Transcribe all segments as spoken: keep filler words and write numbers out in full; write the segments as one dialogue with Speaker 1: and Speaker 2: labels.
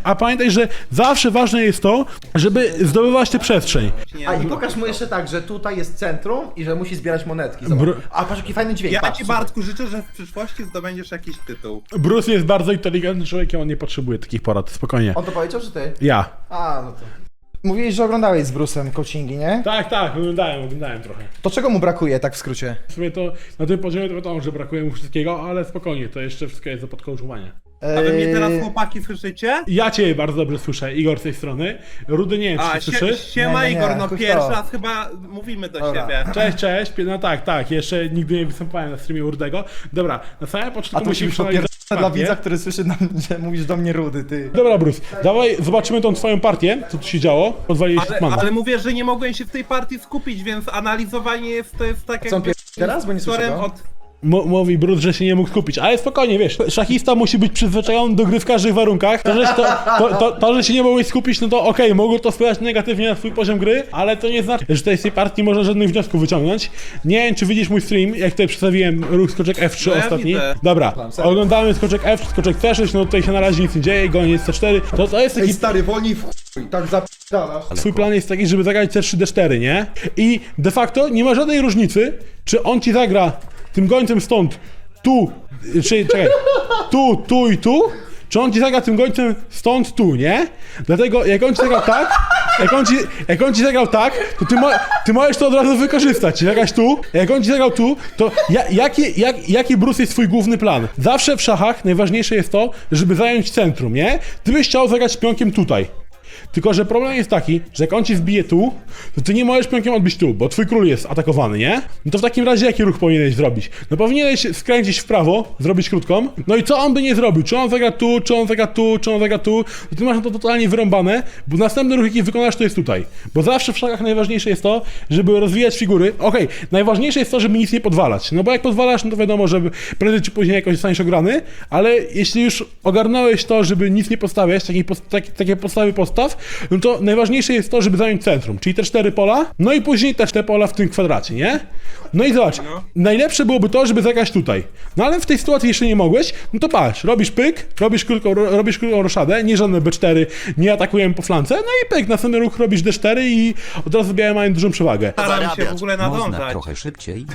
Speaker 1: A pamiętaj, że zawsze ważne jest to, żeby zdobywać tę przestrzeń.
Speaker 2: A i pokaż mu jeszcze tak, że tutaj jest centrum i że musi zbierać monetki. Zobacz.
Speaker 1: Br-
Speaker 2: A patrz jaki fajny dźwięk.
Speaker 3: Ja
Speaker 2: patrz,
Speaker 3: ci,
Speaker 2: słuchaj.
Speaker 3: Bartku, życzę, że w przyszłości zdobędziesz jakiś tytuł.
Speaker 1: Bruce jest bardzo inteligentnym człowiekiem, on nie potrzebuje takich porad, spokojnie.
Speaker 2: On to powiedział, czy ty?
Speaker 1: Ja.
Speaker 2: A, no to... Mówiłeś, że oglądałeś z Bruce'em coachingi, nie?
Speaker 1: Tak, tak, oglądałem, oglądałem trochę.
Speaker 2: To czego mu brakuje, tak w skrócie?
Speaker 1: W sumie to na tym poziomie to wiadomo, że brakuje mu wszystkiego, ale spokojnie, to jeszcze wszystko jest do podkołczowania.
Speaker 3: A wy mnie teraz,
Speaker 2: Eee,
Speaker 3: chłopaki, słyszycie?
Speaker 1: Ja cię bardzo dobrze słyszę, Igor z tej strony. Rudy nie wiem, czy
Speaker 3: A,
Speaker 1: cię
Speaker 3: sie,
Speaker 1: słyszy.
Speaker 3: siema
Speaker 2: Nie, nie, nie,
Speaker 3: Igor, no
Speaker 2: chuj w
Speaker 3: pierwszy
Speaker 2: to.
Speaker 3: raz chyba mówimy do
Speaker 2: Dobra.
Speaker 3: siebie.
Speaker 1: Cześć, cześć, no tak, tak, jeszcze nigdy nie występowałem na streamie Rudego. Dobra, na samym
Speaker 2: A
Speaker 1: początku
Speaker 2: to musi
Speaker 1: musimy
Speaker 2: być po
Speaker 1: przeanalizować
Speaker 2: pierwsze dla
Speaker 1: partię.
Speaker 2: widza, który słyszy, nam, że mówisz do mnie Rudy, ty.
Speaker 1: Dobra, Bruce, dawaj zobaczymy tą twoją partię, co tu się działo. Podwaliłeś
Speaker 3: Ale,
Speaker 1: Hitmana.
Speaker 3: ale mówię, że nie mogłem się w tej partii skupić, więc analizowanie jest, to jest tak
Speaker 2: Co on
Speaker 3: jakby...
Speaker 2: pier... teraz, bo nie słyszę
Speaker 3: wzorem
Speaker 2: go?
Speaker 3: od...
Speaker 1: M- mówi Bruce, że się nie mógł skupić, ale spokojnie, wiesz, szachista musi być przyzwyczajony do gry w każdych warunkach. To, że, to, to, to, to, że się nie mogłeś skupić, no to okej, okay, mogło to wpływać negatywnie na swój poziom gry, ale to nie znaczy, że tutaj z tej partii nie można żadnych wniosków wyciągnąć. Nie wiem, czy widzisz mój stream, jak tutaj przedstawiłem ruch skoczek F trzy
Speaker 3: No ja
Speaker 1: ostatni.
Speaker 3: widzę.
Speaker 1: Dobra,
Speaker 2: serio.
Speaker 1: oglądamy skoczek F trzy, skoczek C sześć, no tutaj się na razie nic nie dzieje, goniec C cztery. To, to jest taki...
Speaker 2: stary, wolniej w chuj, tak zap***dalasz.
Speaker 1: Swój plan jest taki, żeby zagrać C trzy D cztery, nie? I de facto nie ma żadnej różnicy, czy on ci zagra tym gońcem stąd, tu, czy czekaj, tu, tu i tu, czy on ci zagra tym gońcem stąd, tu, nie? Dlatego jak on ci zagrał tak, jak on ci, jak on ci zagrał tak, to ty, mo, ty możesz to od razu wykorzystać, zagrać tu, jak on ci zagrał tu, to ja, jaki, jak, jaki Bruce jest twój główny plan? Zawsze w szachach najważniejsze jest to, żeby zająć centrum, nie? Ty byś chciał zagrać pionkiem tutaj. Tylko, że problem jest taki, że jak on ci wbije tu, to ty nie możesz pionkiem odbić tu, bo twój król jest atakowany, nie? No to w takim razie jaki ruch powinieneś zrobić? No powinieneś skręcić w prawo, zrobić krótką, no i co on by nie zrobił? Czy on zagra tu, czy on zagra tu, czy on zagra tu? To ty masz na to totalnie wyrąbane, bo następny ruch, jaki wykonasz, to jest tutaj. Bo zawsze w szachach najważniejsze jest to, żeby rozwijać figury. Okej, okay, najważniejsze jest to, żeby nic nie podwalać. No bo jak podwalasz, no to wiadomo, że prędzej czy później jakoś zostaniesz ograny, ale jeśli już ogarnąłeś to, żeby nic nie postawiać, takiej post tak, takie podstawy postaw, no to najważniejsze jest to, żeby zająć centrum, czyli te cztery pola, no i później też te pola w tym kwadracie, nie? No i zobacz,
Speaker 3: No.
Speaker 1: najlepsze byłoby to, żeby zagrać tutaj. No ale w tej sytuacji jeszcze nie mogłeś, no to patrz, robisz pyk, robisz krótką, ro, robisz krótką roszadę, nie żadne B cztery, nie atakujemy po flance, no i pyk, następny ruch robisz D cztery i od razu białe mają dużą przewagę.
Speaker 3: Staram się w ogóle
Speaker 4: Można
Speaker 3: nadążać.
Speaker 4: trochę szybciej.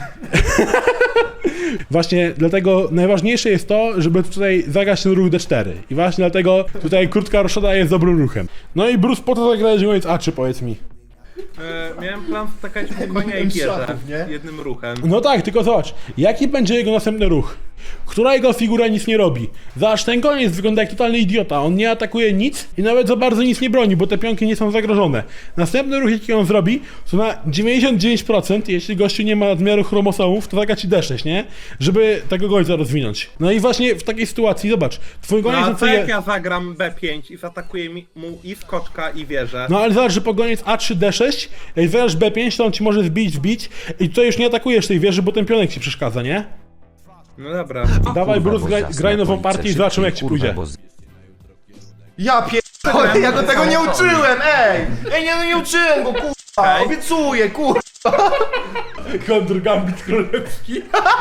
Speaker 1: Właśnie dlatego najważniejsze jest to, żeby tutaj zagrać ten ruch D cztery. I właśnie dlatego tutaj krótka roszada jest dobrym ruchem. No i Bruce, po to zagrałeś goniec A trzy, powiedz mi.
Speaker 3: E, miałem plan skakać mu konia i wieżę
Speaker 2: Szatów, nie?
Speaker 3: jednym ruchem.
Speaker 1: No tak, tylko zobacz, jaki będzie jego następny ruch? Która jego figura nic nie robi? Zobacz, ten koniec wygląda jak totalny idiota, on nie atakuje nic i nawet za bardzo nic nie broni, bo te pionki nie są zagrożone. Następny ruch, jaki on zrobi, to na dziewięćdziesiąt dziewięć procent, jeśli gościu nie ma nadmiaru chromosomów, to zagra ci D sześć, nie? Żeby tego gońca rozwinąć. No i właśnie w takiej sytuacji, zobacz, twój
Speaker 3: No
Speaker 1: goniec...
Speaker 3: a
Speaker 1: na
Speaker 3: co
Speaker 1: co
Speaker 3: jak
Speaker 1: je-
Speaker 3: ja zagram B pięć i zaatakuję mi, mu i skoczka i wieżę?
Speaker 1: No ale zobacz, że po goniec A trzy D sześć, jak zagrasz B pięć, to on ci może wbić, wbić i tutaj już nie atakujesz tej wieży, bo ten pionek ci przeszkadza, nie?
Speaker 3: No dobra.
Speaker 1: Dawaj,
Speaker 4: Kurwa,
Speaker 1: Bruce,
Speaker 4: bo
Speaker 1: graj,
Speaker 4: zasnę
Speaker 1: graj nową
Speaker 4: końce
Speaker 1: partię i zobaczymy, jak ci
Speaker 4: szybciej,
Speaker 1: pójdzie.
Speaker 4: kurwa, bo z-
Speaker 2: Ja pierdolę, ja go tego nie uczyłem, ej! Ej, nie, nie uczyłem go, kurwa,
Speaker 3: Ej.
Speaker 2: obiecuję, kurwa.
Speaker 1: Kontr Gambit Królewski.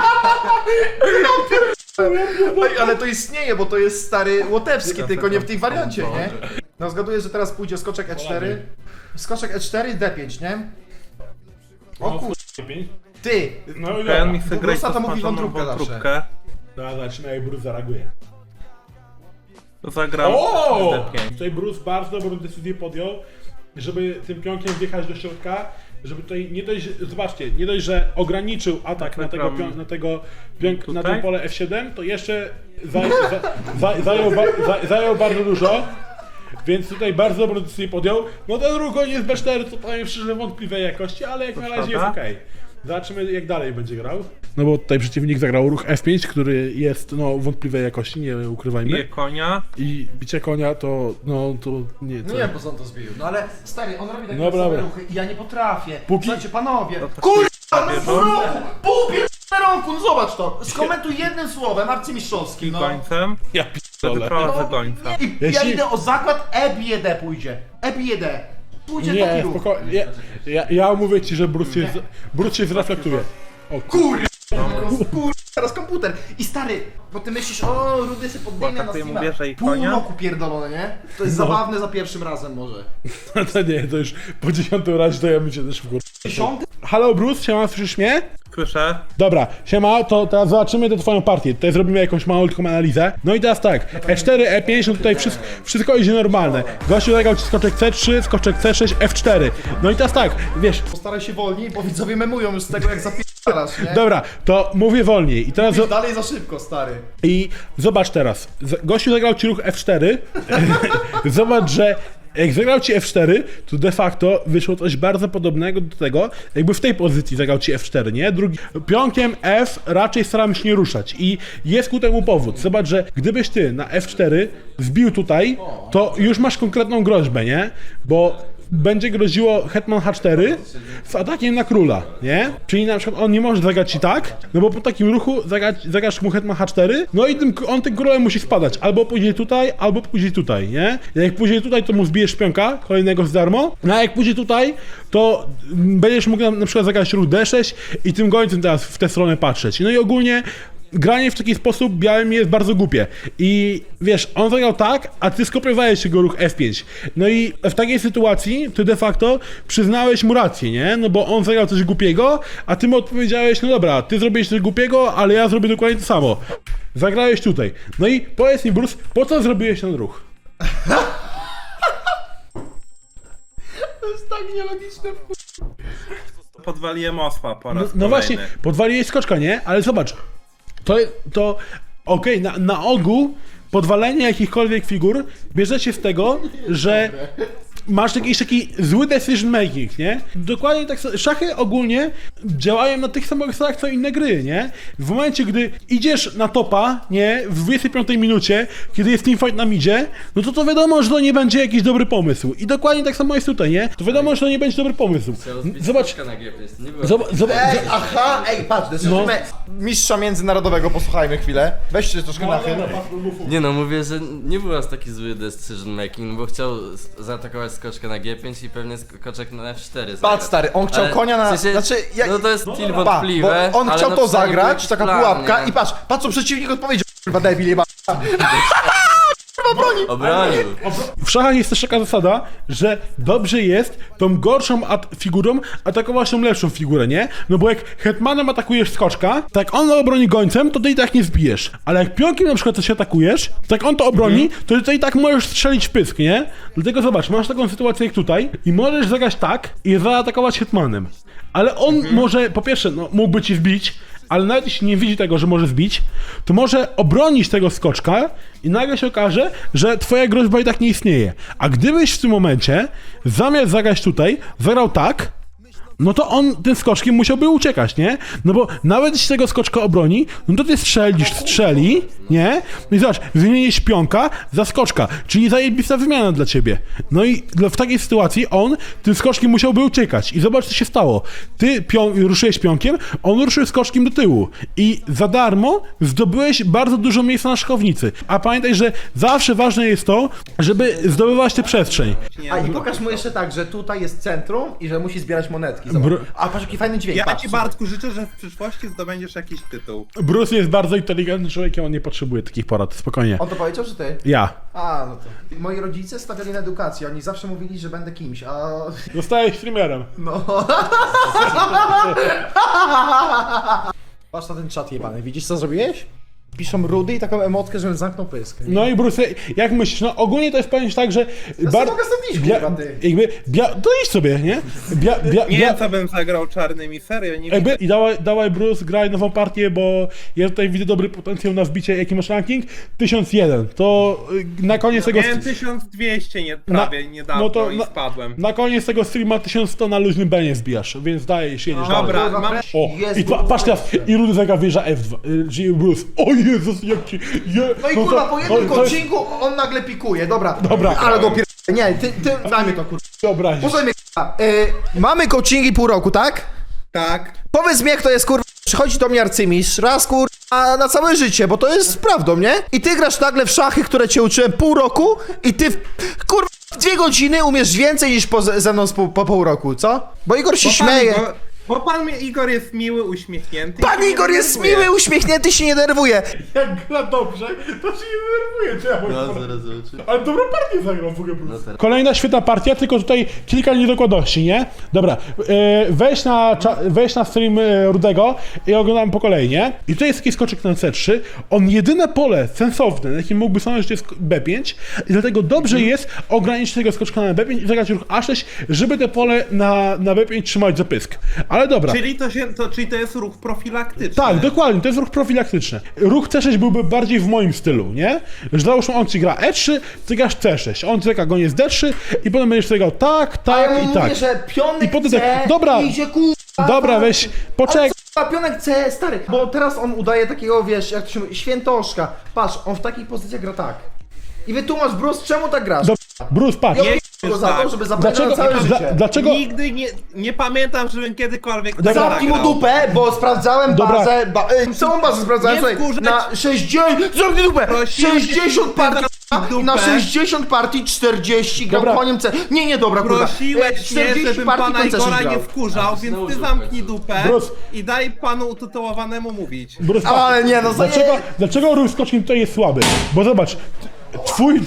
Speaker 2: Ej, ale to istnieje, bo to jest stary łotewski, tylko nie w tej wariancie, nie? No zgaduję, że teraz pójdzie skoczek E cztery. Skoczek E cztery, D pięć, nie? O kurwa, ty!
Speaker 1: No i
Speaker 3: Ten
Speaker 1: dobra.
Speaker 3: mi chce grać
Speaker 2: Bruce'a to mówi
Speaker 3: posmażoną
Speaker 2: wątróbkę zawsze.
Speaker 3: wątróbkę.
Speaker 1: Dobra, zobaczymy, jak Bruce zareaguje.
Speaker 3: To zagram
Speaker 1: O!
Speaker 3: D pięć.
Speaker 1: Tutaj Bruce bardzo dobrą decyzję podjął, żeby tym pionkiem wjechać do środka, żeby tutaj nie dość, zobaczcie, nie dość, że ograniczył atak na tego, pion, na tego pionk, na to
Speaker 3: Tutaj?
Speaker 1: pole F siedem, to jeszcze za, za, za, zajął, ba, za, zajął bardzo dużo. Więc tutaj bardzo dobrą decyzję podjął. No ten ruch jest B cztery, to powiem szczerze wątpliwej jakości, ale jak na razie jest
Speaker 3: prawda?
Speaker 1: okej. Zobaczymy, jak dalej będzie grał. No bo tutaj przeciwnik zagrał ruch F pięć, który jest no wątpliwej jakości, nie ukrywajmy.
Speaker 3: Bije konia.
Speaker 1: I bicie konia to, no to nie, to...
Speaker 2: No nie, bo on to zbił. No ale stary, on robi takie
Speaker 1: Dobra,
Speaker 2: same
Speaker 1: dobra.
Speaker 2: ruchy i ja nie potrafię.
Speaker 1: Póki-
Speaker 2: Słuchajcie, panowie,
Speaker 3: to
Speaker 2: kurwa, no
Speaker 3: bierze.
Speaker 2: pół roku, pół pierdolę roku, no zobacz to. Skomentuj jednym słowem, arcymistrzowskim, no.
Speaker 3: Gońcem.
Speaker 1: Ja
Speaker 3: To
Speaker 1: pierdolę.
Speaker 3: wyprowadzę gońca.
Speaker 2: I ja
Speaker 1: Jeśli-
Speaker 2: idę o zakład, E bije D pójdzie. E bije D. Pójdzie taki
Speaker 1: Nie,
Speaker 2: ruch.
Speaker 1: spokojnie. Ja, ja, ja mówię ci, że Bruce się, z- Bruce się zreflektuje. O kur...
Speaker 2: Kur... Teraz kom... komputer. I stary, bo ty myślisz, o, Rudy się podbiegnę na
Speaker 3: Błakatuje mu
Speaker 2: streama.
Speaker 3: wieżę i
Speaker 2: Pół
Speaker 3: konia.
Speaker 2: roku pierdolone, nie? To jest
Speaker 1: No.
Speaker 2: zabawne za pierwszym razem może.
Speaker 1: No to nie, to już po dziesiątym razie to ja bym się też w
Speaker 2: Dziesiąty?
Speaker 1: Halo Bruce, siema, słyszysz mnie?
Speaker 3: Słyszę.
Speaker 1: Dobra, siema, to teraz zobaczymy tę twoją partię. Tutaj zrobimy jakąś małą tylko analizę. No i teraz tak, E cztery, E pięć, no tutaj wszystko, wszystko idzie normalne. Gościu zagrał ci skoczek C trzy, skoczek C sześć, F cztery. No i teraz tak, wiesz,
Speaker 2: Postaraj się wolniej, bo widzowie memują już z tego, jak zapierdalasz, nie?
Speaker 1: dobra, to mówię wolniej. I teraz zo-
Speaker 2: Dalej za szybko, stary.
Speaker 1: i zobacz teraz. Z- Gościu zagrał ci ruch F cztery. Zobacz, że jak zagrał ci F cztery, to de facto wyszło coś bardzo podobnego do tego, jakby w tej pozycji zagrał ci F cztery, nie? Drugi, pionkiem F raczej staramy się nie ruszać i jest ku temu powód. Zobacz, że gdybyś ty na F cztery wbił tutaj, to już masz konkretną groźbę, nie? Bo będzie groziło hetman H cztery z atakiem na króla, nie? Czyli na przykład on nie może zagrać ci tak, no bo po takim ruchu zagrać, zagrasz mu hetman H cztery, no i tym, on tym królem musi spadać, albo pójdzie tutaj, albo pójdzie tutaj, nie? Jak pójdzie tutaj, to mu zbijesz pionka, kolejnego z darmo, no a jak pójdzie tutaj, to będziesz mógł na, na przykład zagrać ruch D sześć i tym gońcem teraz w tę stronę patrzeć. No i ogólnie granie w taki sposób białym jest bardzo głupie. I wiesz, on zagrał tak, a ty skopiowałeś jego ruch F pięć. No i w takiej sytuacji ty de facto przyznałeś mu rację, nie? No bo on zagrał coś głupiego, a ty mu odpowiedziałeś, no dobra, ty zrobiłeś coś głupiego, ale ja zrobię dokładnie to samo. Zagrałeś tutaj. No i powiedz mi, Bruce, po co zrobiłeś ten ruch?
Speaker 2: To jest tak nielogiczne.
Speaker 3: Podwaliłem osła po
Speaker 1: No,
Speaker 3: raz
Speaker 1: no
Speaker 3: kolejny.
Speaker 1: właśnie, podwaliłeś skoczka, nie? Ale zobacz, to, to okej, na, na ogół podwalenie jakichkolwiek figur bierze się z tego, że masz jakiś taki zły decision making, nie? Dokładnie tak, sa- szachy ogólnie działają na tych samych zasadach co inne gry, nie? W momencie, gdy idziesz na topa, nie? W dwudziestej piątej minucie, kiedy jest teamfight na midzie, no to to wiadomo, że to nie będzie jakiś dobry pomysł. I dokładnie tak samo jest tutaj, nie? To wiadomo, że to nie będzie dobry pomysł. Zobacz,
Speaker 4: Na G P S, nie było.
Speaker 1: zobacz, zobacz,
Speaker 2: Ej, aha, ej, patrz, desysujmy mistrza międzynarodowego, posłuchajmy chwilę. Weźcie troszkę na chwilę.
Speaker 4: Nie no, mówię, że nie był aż taki zły decision making, bo chciał s- zaatakować skoczkę na G pięć i pewnie skoczek na F cztery zagrać.
Speaker 2: Patrz, stary, on chciał
Speaker 4: Ale
Speaker 2: konia na...
Speaker 4: w sensie,
Speaker 2: Znaczy, ja...
Speaker 4: No to jest kill
Speaker 2: Pa,
Speaker 4: wątpliwe,
Speaker 2: bo on
Speaker 4: ale
Speaker 2: chciał
Speaker 4: no
Speaker 2: to
Speaker 4: przynajmniej
Speaker 2: zagrać,
Speaker 4: był
Speaker 2: taka
Speaker 4: plan,
Speaker 2: pułapka
Speaker 4: nie?
Speaker 2: i patrz, patrz co przeciwnik odpowiedział, kurwa debil jeba.
Speaker 4: Obronił.
Speaker 1: w szachach jest też taka zasada, że dobrze jest tą gorszą at- figurą atakować tą lepszą figurę, nie? No bo jak hetmanem atakujesz skoczka, tak on obroni gońcem, to ty i tak nie zbijesz. Ale jak pionkiem na przykład coś atakujesz, tak on to obroni, to ty i tak możesz strzelić w pysk, nie? Dlatego zobacz, masz taką sytuację jak tutaj i możesz zagrać tak i zaatakować hetmanem. Ale on może, po pierwsze, no mógłby ci zbić, ale nawet jeśli nie widzi tego, że może zbić, to może obronić tego skoczka i nagle się okaże, że twoja groźba i tak nie istnieje. A gdybyś w tym momencie, zamiast zagrać tutaj, zagrał tak, no to on tym skoczkiem musiałby uciekać, nie? No bo nawet jeśli tego skoczka obroni, no to ty strzelisz, strzeli, nie? No i zobacz, wymienisz pionka za skoczka, czyli zajebista wymiana dla ciebie. No i w takiej sytuacji on tym skoczkiem musiałby uciekać. I zobacz, co się stało. Ty pion, ruszyłeś pionkiem, on ruszył skoczkiem do tyłu. I za darmo zdobyłeś bardzo dużo miejsca na szachownicy. A pamiętaj, że zawsze ważne jest to, żeby zdobywać tę przestrzeń.
Speaker 2: A i pokaż mu jeszcze tak, że tutaj jest centrum i że musi zbierać monetki. Zobacz.
Speaker 1: Br-
Speaker 2: A patrz jaki fajny dźwięk,
Speaker 3: Ja
Speaker 2: patrz.
Speaker 3: ci, Bartku, życzę, że w przyszłości zdobędziesz jakiś tytuł.
Speaker 1: Bruce jest bardzo inteligentnym człowiekiem, on nie potrzebuje takich porad, spokojnie.
Speaker 2: On to powiedział, czy ty?
Speaker 1: Ja.
Speaker 2: A, no to. Moi rodzice stawiali na edukację, oni zawsze mówili, że będę kimś, a...
Speaker 1: Zostałeś streamerem.
Speaker 2: No. Patrz na ten czat jebany, widzisz co zrobiłeś? Piszą Rudy i taką emotkę, żebym zamknął pysk.
Speaker 1: No i Bruce, jak myślisz? No ogólnie to jest powiem ci tak, że...
Speaker 2: Ja sobie mogę stąd iść, kurwa, ty.
Speaker 1: Jakby, bia, to idź sobie, nie? Bia, bia,
Speaker 3: Nie
Speaker 1: bia,
Speaker 3: wiem, co bym zagrał czarnymi, serio, nie
Speaker 1: jakby,
Speaker 3: widzę.
Speaker 1: I dawaj, dawaj Bruce, graj nową partię, bo ja tutaj widzę dobry potencjał na wbicie. Jaki masz ranking? tysiąc jeden. To y, na koniec tego...
Speaker 3: Miałem tysiąc dwieście nie, prawie
Speaker 1: Na-
Speaker 3: niedawno
Speaker 1: no to
Speaker 3: i
Speaker 1: na-
Speaker 3: spadłem.
Speaker 1: Na koniec tego streama tysiąc sto na luźnym benie zbijasz, więc dajesz, jedziesz dalej.
Speaker 3: Dobra,
Speaker 2: Kurwa,
Speaker 3: mam...
Speaker 1: O,
Speaker 2: jest
Speaker 1: i pa, patrz teraz, i Rudy zagra wieża F dwa, y, czyli Bruce. O Jezus, jaki... Je,
Speaker 2: No i
Speaker 1: to-
Speaker 2: kurwa, po jednym
Speaker 1: no, to jest-
Speaker 2: odcinku on nagle pikuje, dobra.
Speaker 1: Dobra.
Speaker 2: Ale go pier... Nie, ty, ty, daj mi to kurwa.
Speaker 1: Wyobrazisz.
Speaker 2: Posłuchaj mnie kurwa. Y, mamy coachingi pół roku, tak?
Speaker 3: Tak.
Speaker 2: Powiedz mi jak to jest kurwa, przychodzi do mnie arcymistrz, raz kurwa na całe życie, bo to jest prawdą, nie? I ty grasz nagle w szachy, które cię uczyłem pół roku i ty w, kurwa w dwie godziny umiesz więcej niż po, ze mną z pół, po pół roku, co? Bo Igor się
Speaker 3: Chłopaki,
Speaker 2: śmieje.
Speaker 3: bo Bo pan mi- Igor jest miły, uśmiechnięty. i
Speaker 2: Pan
Speaker 3: się
Speaker 2: Igor
Speaker 3: nie
Speaker 2: jest
Speaker 3: denerwuje.
Speaker 2: miły, uśmiechnięty, się nie denerwuje.
Speaker 1: Jak gra dobrze, to się nie denerwuje, czy ja
Speaker 4: No, zaraz zobaczymy.
Speaker 1: Ale dobrą partię zagrał w ogóle Bruce.
Speaker 4: No teraz.
Speaker 1: Kolejna świetna partia, tylko tutaj kilka niedokładności, nie? Dobra, e, weź, na, cza- weź na stream e, Rudego i oglądam po kolei, nie? I tutaj jest taki skoczek na C trzy. On jedyne pole sensowne, na jakim mógłby stanąć, to jest B pięć i dlatego dobrze jest ograniczyć tego skoczka na B pięć i zagrać ruch A sześć, żeby te pole na, na B pięć trzymać za pysk. Ale dobra.
Speaker 3: Czyli to, się, to, czyli to jest ruch profilaktyczny.
Speaker 1: Tak, dokładnie, to jest ruch profilaktyczny. Ruch C sześć byłby bardziej w moim stylu, nie? Że załóżmy, on ci gra E trzy, ty grasz C sześć, on ci go nie z D trzy i potem będziesz sobie grał tak, tak
Speaker 2: ja
Speaker 1: i
Speaker 2: mu
Speaker 1: tak.
Speaker 2: mówię, że pionek
Speaker 1: I potem
Speaker 2: C
Speaker 1: tak, dobra,
Speaker 2: idzie kurwa.
Speaker 1: dobra, weź, poczekaj.
Speaker 2: A pionek C, stary, bo teraz on udaje takiego, wiesz, jak to się mówi, świętoszka. Patrz, on w takich pozycjach gra tak. I wytłumacz, Bruce, czemu tak grasz?
Speaker 1: Dobra, Bruce, patrz.
Speaker 2: Ja
Speaker 3: Nie,
Speaker 2: go za
Speaker 3: tak.
Speaker 2: to, żeby zabrać
Speaker 1: Dlaczego,
Speaker 2: całe
Speaker 1: dla,
Speaker 2: życie.
Speaker 1: dlaczego,
Speaker 3: Nigdy nie, nie pamiętam, żebym kiedykolwiek tak
Speaker 1: Dobra.
Speaker 2: Zamknij mu
Speaker 3: zagrał.
Speaker 2: dupę, bo sprawdzałem
Speaker 1: Dobra.
Speaker 2: bazę, ba, y, całą bazę sprawdzałem,
Speaker 3: Nie
Speaker 2: słuchaj,
Speaker 3: wkurzać.
Speaker 2: na sześćdziesiąt, zamknij dupę,
Speaker 3: Prosiłem
Speaker 2: sześćdziesiąt
Speaker 3: cię,
Speaker 2: partii,
Speaker 3: zamknij
Speaker 2: i na
Speaker 3: dupę.
Speaker 2: sześćdziesiąt partii czterdzieści grał
Speaker 1: Dobra.
Speaker 2: koniem C. Nie, nie, dobra, kurwa.
Speaker 3: Prosiłeś
Speaker 2: E,
Speaker 3: mnie,
Speaker 2: czterdzieści
Speaker 3: żebym
Speaker 2: partii
Speaker 3: pana
Speaker 2: końca
Speaker 3: Igora
Speaker 2: grał.
Speaker 3: nie wkurzał, więc
Speaker 4: znowu
Speaker 3: ty
Speaker 4: się
Speaker 3: zamknij
Speaker 4: wkurzył.
Speaker 3: dupę
Speaker 1: Bruce.
Speaker 3: i daj panu utytułowanemu mówić.
Speaker 1: Bruce, patrz.
Speaker 2: Ale nie, no
Speaker 1: Dlaczego,
Speaker 2: zaje-
Speaker 1: dlaczego ruch skoczkiem tutaj jest słaby? Bo zobacz, twój...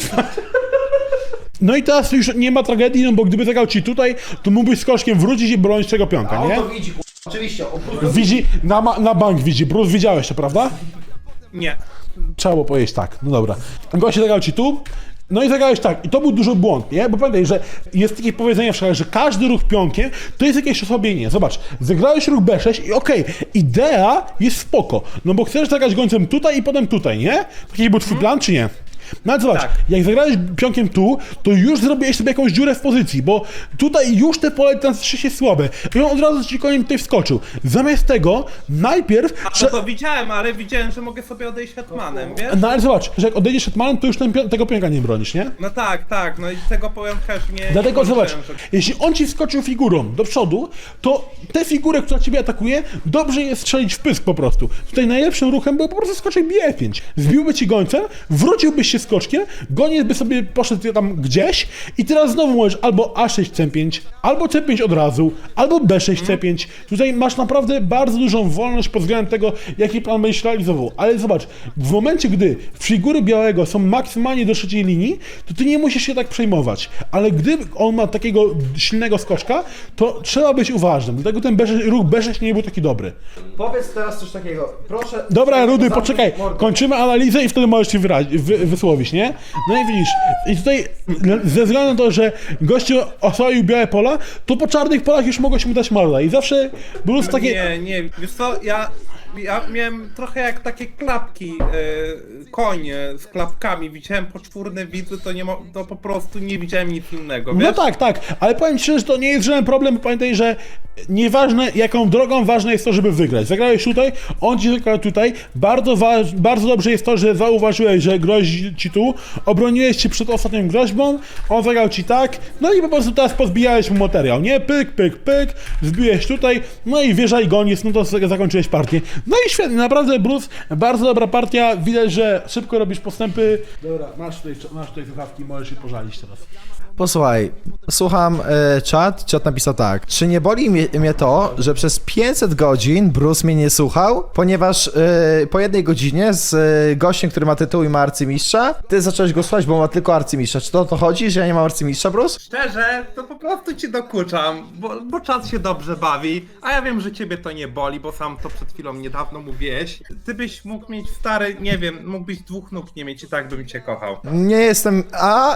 Speaker 1: No i teraz już nie ma tragedii, no bo gdyby zagrał ci tutaj, to mógłbyś skoczkiem wrócić i bronić tego pionka,
Speaker 2: A on
Speaker 1: nie?
Speaker 2: to widzi, kurwa, oczywiście. On po prostu-
Speaker 1: Widzi, na, ma- na bank widzi. Bruce, widziałeś to, prawda?
Speaker 3: Nie.
Speaker 1: Trzeba było powiedzieć tak, no dobra. Goście zagrał ci tu, no i zagrałeś tak. I to był duży błąd, nie? Bo pamiętaj, że jest takie powiedzenie w szkole, że każdy ruch pionkiem to jest jakieś osłabienie. Zobacz, zagrałeś ruch B sześć i okej, idea jest spoko, no bo chcesz zagrać gońcem tutaj i potem tutaj, nie? Taki był twój plan, czy nie? No ale zobacz,
Speaker 3: Tak.
Speaker 1: jak zagrałeś pionkiem tu, to już zrobiłeś sobie jakąś dziurę w pozycji, bo tutaj już te pole transfery jest słabe. I on od razu ci koniem tutaj wskoczył. Zamiast tego, najpierw...
Speaker 3: No
Speaker 1: trze-
Speaker 3: to widziałem, ale widziałem, że mogę sobie odejść hetmanem, wiesz?
Speaker 1: No ale zobacz, że jak odejdziesz hetmanem, to już ten, pio- tego pionka nie bronisz, nie?
Speaker 3: No tak, tak, no i tego powiem też nie...
Speaker 1: Dlatego
Speaker 3: nie
Speaker 1: zobacz,
Speaker 3: włączyłem, że-
Speaker 1: jeśli on ci wskoczył figurą do przodu, to tę figurę, która ciebie atakuje, dobrze jest strzelić w pysk po prostu. Tutaj najlepszym ruchem był po prostu skoczek B pięć. Zbiłby ci gońcem, wróciłbyś się skoczkiem, goniec by sobie poszedł tam gdzieś i teraz znowu możesz albo A sześć C pięć, albo C pięć od razu, albo B sześć C pięć. Tutaj masz naprawdę bardzo dużą wolność pod względem tego, jaki plan będziesz realizował. Ale zobacz, w momencie, gdy figury białego są maksymalnie do trzeciej linii, to ty nie musisz się tak przejmować. Ale gdy on ma takiego silnego skoczka, to trzeba być uważnym. Dlatego ten B sześć, ruch B sześć nie był taki dobry.
Speaker 2: Powiedz teraz coś takiego, proszę.
Speaker 1: Dobra, Rudy,
Speaker 2: Zamknij
Speaker 1: poczekaj,
Speaker 2: mordę.
Speaker 1: kończymy analizę i wtedy możesz się wyrazi- wy- wysłowić, nie? No i widzisz, i tutaj ze względu na to, że gościu oswoił białe pola, to po czarnych polach już mogło się mu dać morda i zawsze było takie...
Speaker 3: Nie, nie, wiesz co, ja, ja miałem trochę jak takie klapki, e, konie z klapkami, widziałem poczwórne widły, to nie mo- to po prostu nie widziałem nic innego, wiesz?
Speaker 1: No tak, tak, ale powiem ci szczerze, że to nie jest żaden problem, bo pamiętaj, że nieważne jaką drogą, ważne jest to, żeby wygrać. Zagrałeś tutaj, on ci zagrał tutaj, bardzo, wa- bardzo dobrze jest to, że zauważyłeś, że grozi ci tu, obroniłeś się przed ostatnią groźbą, on zagrał ci tak, no i po prostu teraz pozbijałeś mu materiał, nie? Pyk, pyk, pyk, zbiłeś tutaj, no i wieża i goniec, no to z- zakończyłeś partię. No i świetnie, naprawdę Bruce, bardzo dobra partia, widać, że szybko robisz postępy. Dobra, masz tutaj, masz tutaj słuchawki, możesz się pożalić teraz.
Speaker 2: Posłuchaj, słucham e, czat, czat napisał tak. Czy nie boli mnie, mnie to, że przez pięćset godzin Bruce mnie nie słuchał, ponieważ e, po jednej godzinie z e, gościem, który ma tytuł i ma arcymistrza, ty zacząłeś go słuchać, bo ma tylko arcymistrza. Czy to o to chodzi, że ja nie mam arcymistrza, Bruce?
Speaker 3: Szczerze, to po prostu ci dokuczam, bo, bo czas się dobrze bawi, a ja wiem, że ciebie to nie boli, bo sam to przed chwilą niedawno mówiłeś. Ty byś mógł mieć stary, nie wiem, mógłbyś dwóch nóg nie mieć i tak bym cię kochał.
Speaker 2: Nie jestem... a...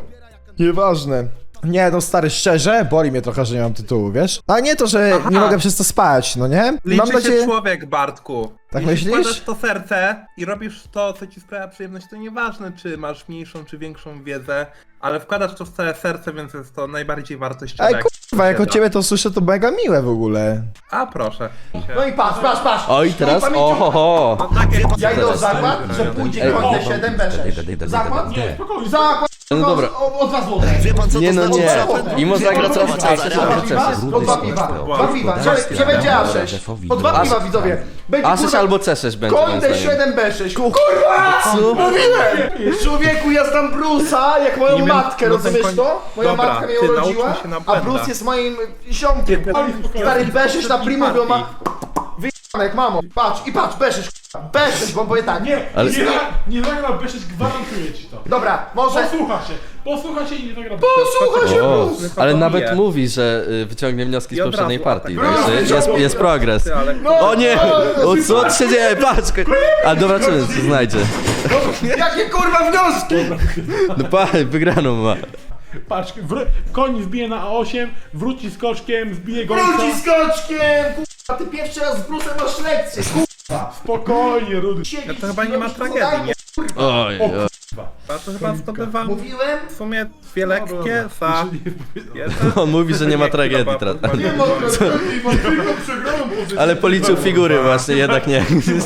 Speaker 2: Nieważne. Nie, no stary, szczerze, boli mnie trochę, że nie mam tytułu, wiesz? A nie to, że
Speaker 3: Aha.
Speaker 2: nie mogę przez to spać, no nie?
Speaker 3: Liczy
Speaker 2: Mam
Speaker 3: się człowiek, Bartku.
Speaker 2: Tak
Speaker 3: Jeśli
Speaker 2: myślisz?
Speaker 3: wkładasz to serce i robisz to, co ci sprawia przyjemność, to nieważne, czy masz mniejszą, czy większą wiedzę, ale wkładasz to w całe serce, więc jest to najbardziej wartościowe.
Speaker 2: Ej,
Speaker 3: jak
Speaker 2: kurwa, jak od
Speaker 3: posiada.
Speaker 2: ciebie to słyszę, to mega miłe w ogóle.
Speaker 3: A proszę.
Speaker 2: No i patrz, patrz, patrz!
Speaker 4: Oj, teraz ohoho!
Speaker 3: No takie...
Speaker 2: Ja idę o zakład, że pójdzie koń D siedem, B sześć. Zakład?
Speaker 1: Nie, spokojnie.
Speaker 2: Zakład
Speaker 4: No dobra.
Speaker 2: O, o dwa złote.
Speaker 4: Nie no nie. Imo zagra coraz
Speaker 2: Po
Speaker 4: częściej.
Speaker 2: dwa piwa, po dwa piwa, dwa piwa, że, że będzie A sześć. Po dwa piwa, widzowie. Będzie,
Speaker 4: A sześć
Speaker 2: kurwa,
Speaker 4: albo C sześć będzie. moim
Speaker 2: Koń
Speaker 4: zdaniem.
Speaker 2: D siedem B sześć. Kurwa!
Speaker 4: Co?
Speaker 2: Mówiłem! Człowieku, ja znam Bruce'a jak moją
Speaker 3: Nie wiem,
Speaker 2: matkę,
Speaker 3: no ten
Speaker 2: rozumiesz
Speaker 3: koń-
Speaker 2: to? Moja
Speaker 3: Dobra,
Speaker 2: matka mnie
Speaker 3: ty
Speaker 2: urodziła,
Speaker 3: nauczmy się na
Speaker 2: a
Speaker 3: błędach.
Speaker 2: Bruce jest moim ziomkiem. Stary B sześć na primo, bo ma... Wyjebane jak mamo. Patrz, i patrz, B sześć, kurwa. B sześć, bo on powie tak.
Speaker 1: Nie,
Speaker 4: Ale-
Speaker 1: nie, nie zagra B sześć, gwarantuję ci to.
Speaker 2: Dobra, może...
Speaker 1: Posłucha się, posłucha się i nie zagra B
Speaker 2: Posłuchaj się,
Speaker 4: O,
Speaker 2: Bruce!
Speaker 4: ale
Speaker 3: to
Speaker 4: nawet
Speaker 3: bije.
Speaker 4: mówi, że y, wyciągnie wnioski z
Speaker 3: I od
Speaker 4: poprzedniej
Speaker 3: razu
Speaker 4: partii,
Speaker 3: atak.
Speaker 4: także jest, jest progres.
Speaker 3: Ty, ale...
Speaker 4: O nie! O co się dzieje? Patrz! ko- Ale dobra, czy co znajdzie?
Speaker 2: Jakie kurwa wnioski!
Speaker 4: No pa, wygraną ma.
Speaker 1: Patrz, wr- koń wbije na A osiem, wróci z koczkiem, wbije gońca.
Speaker 2: Wróci z koczkiem! Kurwa, ty pierwszy raz z Bruce'em masz lekcję, kurwa!
Speaker 1: Spokojnie, Rudy.
Speaker 2: Siedzisz,
Speaker 3: To chyba nie ma
Speaker 2: robisz
Speaker 3: tragedii,
Speaker 2: zadanie,
Speaker 3: nie?
Speaker 4: Oj, oj.
Speaker 3: A to chyba zdobywam
Speaker 2: Mówiłem?
Speaker 3: w sumie dwie lekkie za... jeden.
Speaker 4: On mówi, że nie ma tragedii
Speaker 3: Chyba-
Speaker 4: teraz.
Speaker 3: chyba
Speaker 2: Nie ma tragedii, mam tylko przegraną pozycję.
Speaker 4: Ale policzył figury właśnie, jednak nie.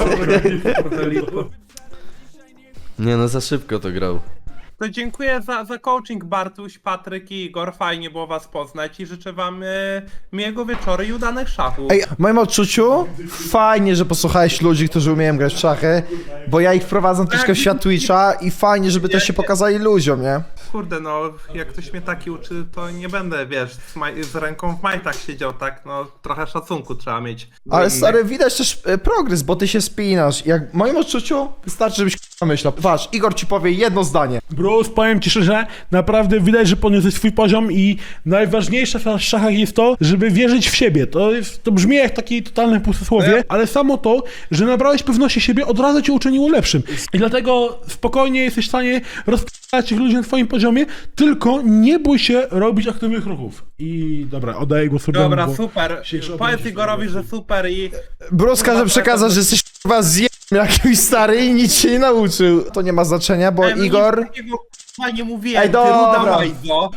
Speaker 4: Nie no, za szybko to grał.
Speaker 3: To dziękuję za, za coaching Bartuś, Patryk i Igor, fajnie było was poznać i życzę wam e, miłego wieczoru i udanych szachów.
Speaker 5: Ej, w moim odczuciu fajnie, że posłuchałeś ludzi, którzy umieją grać w szachy, bo ja ich wprowadzam troszkę w świat Twitcha i fajnie, żeby też się pokazali ludziom, nie?
Speaker 3: Kurde no, jak ktoś mnie taki uczy, to nie będę, wiesz, z, maj- z ręką w majtach siedział, tak, no trochę szacunku trzeba mieć. do
Speaker 5: Ale
Speaker 3: innych.
Speaker 5: stary, widać też e, progres, bo ty się spinasz. Jak w moim odczuciu wystarczy, żebyś k***a myślał. Patrz, Igor ci powie jedno zdanie.
Speaker 1: Bruce, powiem ci szczerze, naprawdę widać, że podniosłeś swój poziom i najważniejsze w szachach jest to, żeby wierzyć w siebie. To, jest, to brzmi jak takie totalne pustosłowie, ale samo to, że nabrałeś pewności siebie, od razu cię uczyniło lepszym. I dlatego spokojnie jesteś w stanie rozpoznać tych ludzi na twoim poziomie, tylko nie bój się robić aktywnych ruchów. I dobra, oddaję głos Rudemu,
Speaker 3: Dobra,
Speaker 1: bo
Speaker 3: super.
Speaker 1: dzisiejszy
Speaker 3: Powiedz
Speaker 1: odcinek
Speaker 3: Igorowi,
Speaker 1: jest-
Speaker 3: że super i...
Speaker 5: Bruce każe przekazać, że jesteś k***a zjem jakimś stary i nic się nie nauczył. To nie ma znaczenia, bo
Speaker 3: Ej, no nic
Speaker 5: Igor...
Speaker 3: takiego, k***a, nie mówiłem,
Speaker 5: Ej,
Speaker 3: ty ruda
Speaker 5: dobra.
Speaker 3: łajzo.